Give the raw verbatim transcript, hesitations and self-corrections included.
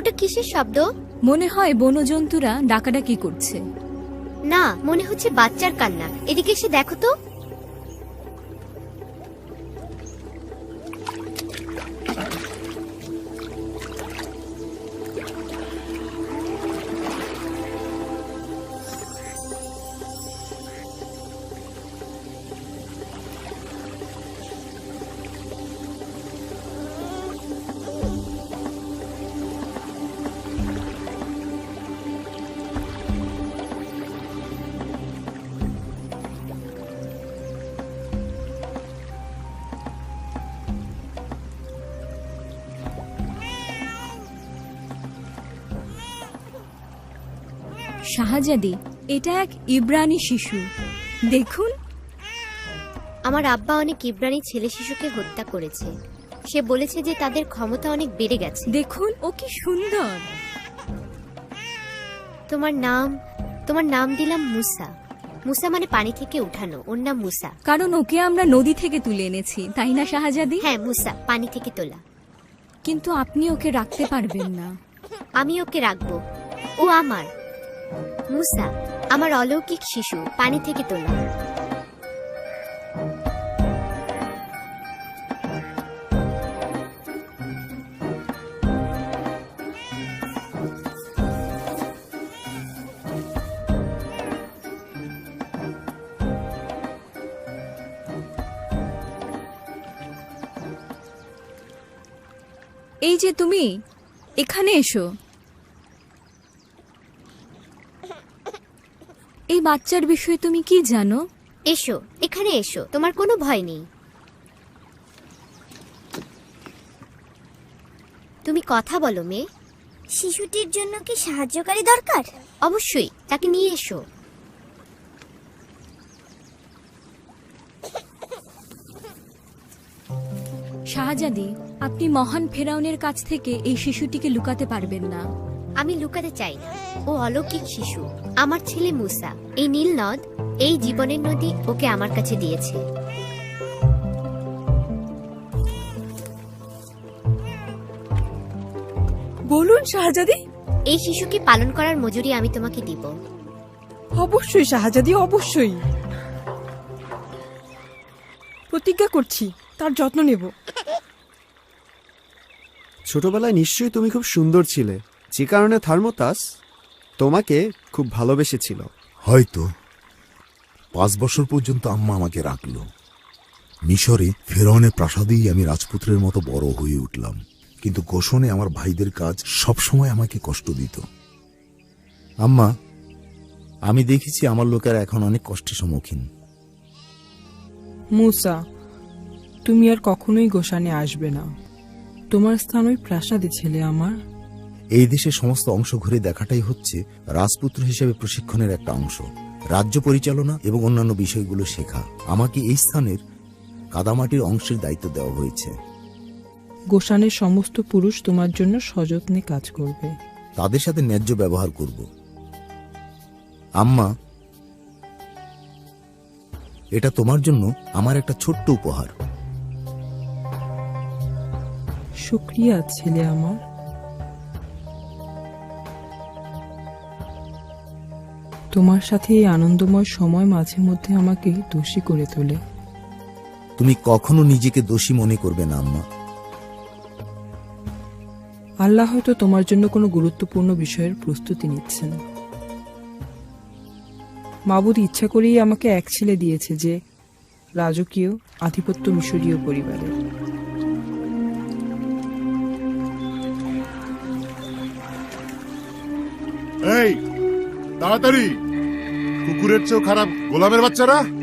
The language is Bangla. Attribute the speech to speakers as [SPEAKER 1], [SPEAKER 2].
[SPEAKER 1] ওটা কিসের শব্দ?
[SPEAKER 2] মনে হয় বনজন্তুরা ডাকাডাকি করছে।
[SPEAKER 1] না, মনে হচ্ছে বাচ্চার কান্না। এদিকে এসে দেখো তো।
[SPEAKER 2] শাহজাদি, এটা এক ইব্রানি শিশু। দেখুন,
[SPEAKER 1] আমার আব্বা অনেক ইব্রানি ছেলে শিশুকে হত্যা করেছে। সে বলেছে যে তাদের ক্ষমতা অনেক বেড়ে গেছে।
[SPEAKER 2] দেখুন ও কি সুন্দর।
[SPEAKER 1] তোমার নাম তোমার নাম দিলাম মুসা। মুসা মানে পানি থেকে উঠানো। ওর নাম মুসা।
[SPEAKER 2] কারণ ওকে আমরা নদী থেকে তুলে এনেছি, তাই না শাহজাদি?
[SPEAKER 1] হ্যাঁ, মুসা, পানি থেকে তোলা।
[SPEAKER 2] কিন্তু আপনি ওকে রাখতে পারবেন না।
[SPEAKER 1] আমি ওকে রাখবো। ও আমার মুসা, আমার অলৌকিক শিশু, পানি থেকে তোলা।
[SPEAKER 2] এই যে তুমি, এখানে এসো। এই বাচ্চার বিষয়ে তুমি কি জানো?
[SPEAKER 1] এসো, এখানে এসো, তোমার কোনো ভয় নেই। তুমি কথা বলো মেয়ে।
[SPEAKER 3] শিশুটির জন্য কি সাহায্যকারী দরকার?
[SPEAKER 1] অবশ্যই, তাকে নিয়ে এসো।
[SPEAKER 2] শাহজাদি, আপনি মহান ফেরাউনের কাছ থেকে এই শিশুটিকে লুকাতে পারবেন না।
[SPEAKER 1] আমি লুকাতে চাই না। ও অলৌকিক শিশু, আমার ছেলে মুসা। এই নীল নদ, এই জীবনের নদী ওকে আমার কাছে দিয়েছে।
[SPEAKER 4] বলুন শাহজাদি।
[SPEAKER 1] এই শিশুকে পালন করার মজুরি আমি তোমাকে দিব।
[SPEAKER 4] অবশ্যই শাহজাদি, অবশ্যই। প্রতিজ্ঞা করছি তার যত্ন নেব।
[SPEAKER 5] ছোটবেলায় নিশ্চয়ই তুমি খুব সুন্দর ছিলে, যে কারণে থার্মোতাস তোমাকে খুব ভালোবেসেছিল।
[SPEAKER 6] হয়তো পাঁচ বছর পর্যন্ত আম্মা আমাকে রাখল। মিশরে ফেরাউনের প্রাসাদেই আমি রাজপুত্রের মতো বড় হয়ে উঠলাম। কিন্তু গোষণে আমার ভাইদের কাজ সবসময় আমাকে কষ্ট দিত। আম্মা, আমি দেখেছি আমার লোকেরা এখন অনেক কষ্টের সম্মুখীন।
[SPEAKER 4] মুসা, তুমি আর কখনোই গোশানে আসবে না। তোমার স্থান ওই প্রাসাদে ছেলে আমার।
[SPEAKER 6] এই দেশের সমস্ত অংশ ঘুরে দেখাটাই হচ্ছে রাজপুত্র হিসেবে প্রশিক্ষণের একটা অংশ। রাজ্য পরিচালনা এবং অন্যান্য বিষয়গুলো শেখা। আমাকে এই স্থানের কাদামাটির অংশের দায়িত্ব দেওয়া হয়েছে।
[SPEAKER 4] গোশানের সমস্ত পুরুষ তোমার জন্য সযত্নে কাজ করবে।
[SPEAKER 6] তাদের সাথে ন্যায্য ব্যবহার করব। আম্মা, এটা তোমার জন্য আমার একটা ছোট্ট উপহার।
[SPEAKER 4] শুকরিয়া ছেলে আমার। তোমার সাথে এই আনন্দময় সময় মাঝে মধ্যে আমাকে দোষী করে তোলে।
[SPEAKER 6] তুমি কখনো নিজেকে দোষী মনে করবে না আম্মা।
[SPEAKER 4] আল্লাহ হয়তো তোমার জন্য কোনো গুরুত্বপূর্ণ বিষয়ের প্রস্তুতি নিচ্ছেন। মাবুদ ইচ্ছা করেই আমাকে এক ছেলে দিয়েছে যে রাজকীয় আধিপত্য মিশরীয় পরিবারের।
[SPEAKER 7] এই তাড়াতাড়ি, কুকুরের চেয়েও খারাপ গোলামের বাচ্চারা।